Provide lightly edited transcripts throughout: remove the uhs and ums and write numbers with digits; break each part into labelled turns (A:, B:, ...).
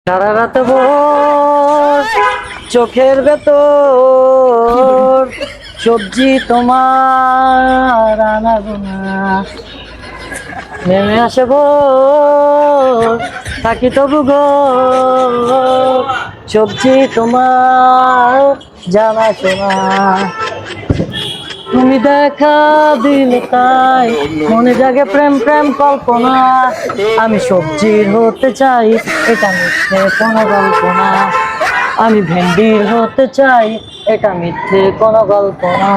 A: সারা রাত ভোর চোখের ভেতর সবজি তোমার আনা গোনা নেমে আসে ভোর থাকি তবু গো সবজি তোমার জানা শোনা তুমি দেখা দিলে তাই মনে জাগে প্রেম প্রেম কল্পনা আমি সবজির হতে চাই এটা মিথ্যে কোনো গল্প না আমি ভেন্ডির হতে চাই এটা মিথ্যে কোনো গল্প না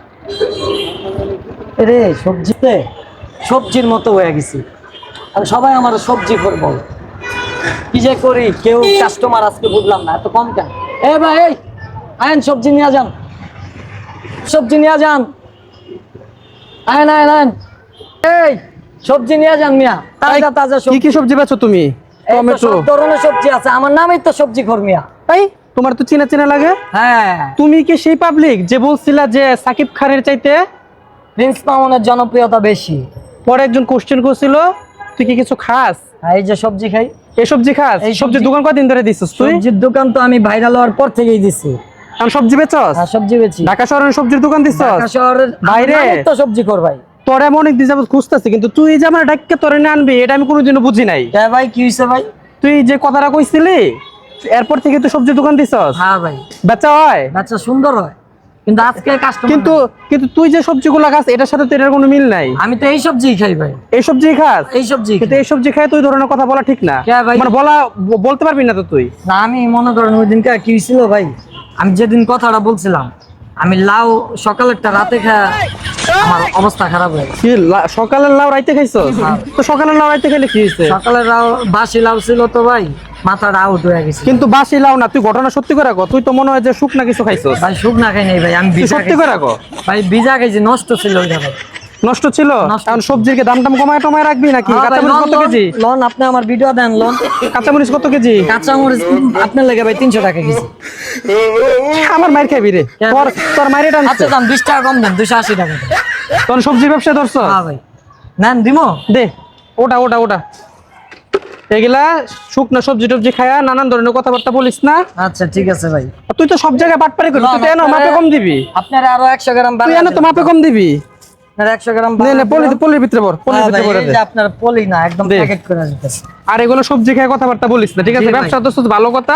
A: রে সবজিতে সবজির মতো হয়ে গেছি আর সবাই আমার সবজি করবো কি যে করি কেউ কাস্টমার আজকে বুঝলাম না এত কম কেন এ ভাই এই আইন সবজি নিয়ে যান সবজি নিয়ে যান আইন আইন আইন এই সবজি নিয়ে যান মিয়া তাজা তাজা
B: কি কি সবজি বেচো তুমি? টমেটো
A: সব ধরনের সবজি আছে আমার নামই তো সবজি ঘর মিয়া
B: এই তোমার তো চেনা চেনা লাগে।
A: হ্যাঁ
B: তুমি কি সেই পাবলিক যে বলছিলা যে সাকিব খানের চাইতে
A: প্রিন্স মামুনের জনপ্রিয়তা বেশি?
B: পরে একজন কোশ্চেন করছিল তুই কি কিছু খাস?
A: এই যে সবজি খাই
B: এই সবজি খাস? এই সবজির দোকান কতদিন ধরে দিছিস তুই?
A: সবজির দোকান তো আমি ভাইরাল হওয়ার পর থেকেই দিছি।
B: আমি সবজি বেচছস?
A: হ্যাঁ সবজি বেচি।
B: ঢাকা শহরের সবজির দোকান দিছস?
A: ঢাকা শহরের
B: বাইরে
A: তো সবজি কর ভাই।
B: তোর এমন অনেক দিন যাবত খুঁজতেছি কিন্তু তুই যে আমার ডাক্কে তোরে না আনবি এটা আমি কোনোদিনও বুঝি নাই।
A: হ্যাঁ ভাই কি হইছে ভাই?
B: তুই যে কথাটা কইছিলি এরপর থেকে তুই সবজির দোকান দিছস?
A: হ্যাঁ ভাই
B: বেচা হয়?
A: বেচা সুন্দর হয় কিন্তু আজকে কাস্টমার
B: কিন্তু তুই যে সবজিগুলো খাস এটার সাথে তো এটার কোনো মিল নাই।
A: আমি তো এই সবজি খাই ভাই।
B: এই সবজি খাস?
A: এই সবজি
B: কিন্তু এই সবজি খাই তুই ধরনের কথা বলা ঠিক না।
A: কে ভাই?
B: মানে বলতে পারবি না তো তুই।
A: না আমি মনে করেন ওই দিনকে কি হয়েছিল ভাই আমি যেদিন কথাটা বলছিলাম আমি লাউ সকালেরটা রাতে খায় আমার অবস্থা খারাপ হয়ে গেছে।
B: কি সকালের লাউ রাইতে খাইছস? তো সকালের লাউ রাইতে খেলে কি হইছে?
A: সকালের লাউ বাসি লাউ ছিল তো ভাই মাথাটা আউট হয়ে গেছে।
B: কিন্তু বাসি লাউ না, তুই ঘটনা সত্যি করে কর। তুই তো মনে হয় যে শুকনা কিছু খাইছস।
A: ভাই শুকনা খাই নাই ভাই আমি
B: তুই
A: ভিজা
B: সত্যি করে কর।
A: ভাই ভিজা খাইছি নষ্ট ছিল ওইটা ভাই।
B: নষ্ট ছিল? এখন সবজির কি দাম টাম কমায় টমায় রাখবি নাকি? কাঁচামরিচ কত কেজি?
A: লন আপনি আমার ভিডিও দেন লন।
B: কাঁচামরিচ কত কেজি?
A: কাঁচামরিচ আপনার লাগে ভাই 300 টাকা কেজি।
B: আমার মাইর খাবি রে। তোর মাইরে টানছে।
A: আচ্ছা দাম 20 টাকা কম দেন 280 টাকা।
B: তোর সবজি ব্যবসা ধরছ?
A: হ্যাঁ ভাই নেন দিমো
B: দে ওটা এগুলা শুকনা সবজি টবজি খায়া নানান ধরনের কথাবার্তা বলিস না।
A: আচ্ছা ঠিক আছে ভাই।
B: তুই তো সব জায়গায় বাটপারি করিস। তুই তো এনো মাপে কম দিবি।
A: আপনার আরো 100 গ্রাম
B: তুই এনো তো মাপে কম দিবি।
A: আপনার 100 গ্রাম
B: নে পলির ভিতরে ভর। পলির ভিতরে ভরে দে।
A: আপনার পলি না একদম প্যাকেট করে দিতেছে।
B: আর এগুলো সবজি খায় কথাবার্তা বলিস না ঠিক আছে? ব্যবসা তো ভালো কথা,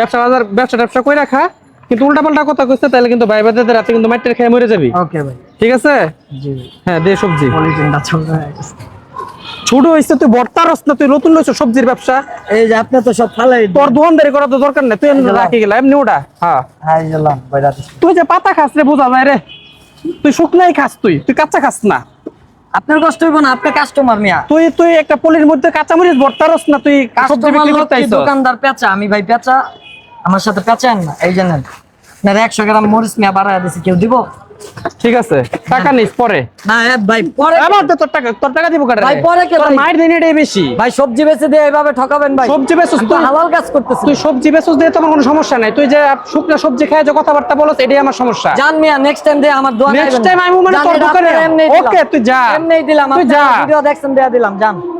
B: ব্যবসা কই রাখা, কিন্তু উল্টাপাল্টা কথা কইছ তাহলে কিন্তু ভাই ভাইদের রাতে কিন্তু মাইটের খেয়ে মরে যাবি।
A: ওকে ভাই
B: ঠিক আছে?
A: জি
B: হ্যাঁ দে সবজি।
A: পলিটিনটা ছোট হয়ে গেছে।
B: ছোট হইছে তুই বর্তারস না, তুই নতুন লইছ সবজির ব্যবসা।
A: এই যে আপনি তো সব ফালাই
B: তোর দোকানদারি করা তো দরকার নাই, তুই রাখি গেলা এমনি ওটা। হ্যাঁ
A: হাই গেলাম ভাই রাতে।
B: তুই যে পাতা খাস রে বোঝা যায় রে। তুই শুকনাই খাস, তুই কাঁচা খাস না।
A: আপনার কষ্ট হইব না, আপনি কাস্টমার মিয়া।
B: তুই একটা পলির মধ্যে কাঁচামরিচ ভর্তারস না, তুই সবজি বিক্রি করতে আইছস।
A: দোকানদার পেঁচা, আমি ভাই পেঁচা, আমার সাথে পেঁচান না এই জানেন না। 100 গ্রাম মরিচ মিয়া বাড়ায় দিছি, কেউ দিব?
B: ঠিক আছে টাকা নিস পরে।
A: না ভাই পরে
B: আমার তো তোর টাকা দিব কাটে
A: ভাই পরে কে
B: তোর
A: ভাই?
B: মায়ের দিন এটাই বেশি।
A: ভাই সবজি বেচে দিয়ে এইভাবে ঠকাবেন ভাই?
B: সবজি বেচছ
A: তুই
B: তুই,
A: হালাল কাজ করতেছিস।
B: তুই সবজি বেচছ দিয়ে তোমার কোনো সমস্যা নাই। তুই যে শুকনা সবজি খায় যে কথাবার্তা বলছ এটাই আমার সমস্যা।
A: জান মিয়া নেক্সট টাইম দিয়ে আমার দোয়া
B: নেক্সট টাইম আমি মানে তোর দোকানে ওকে তুই যা।
A: এমনি দিলাম,
B: তুই
A: আপনি
B: যা।
A: ভিডিও দেখছেন দেয়া দিলাম জান।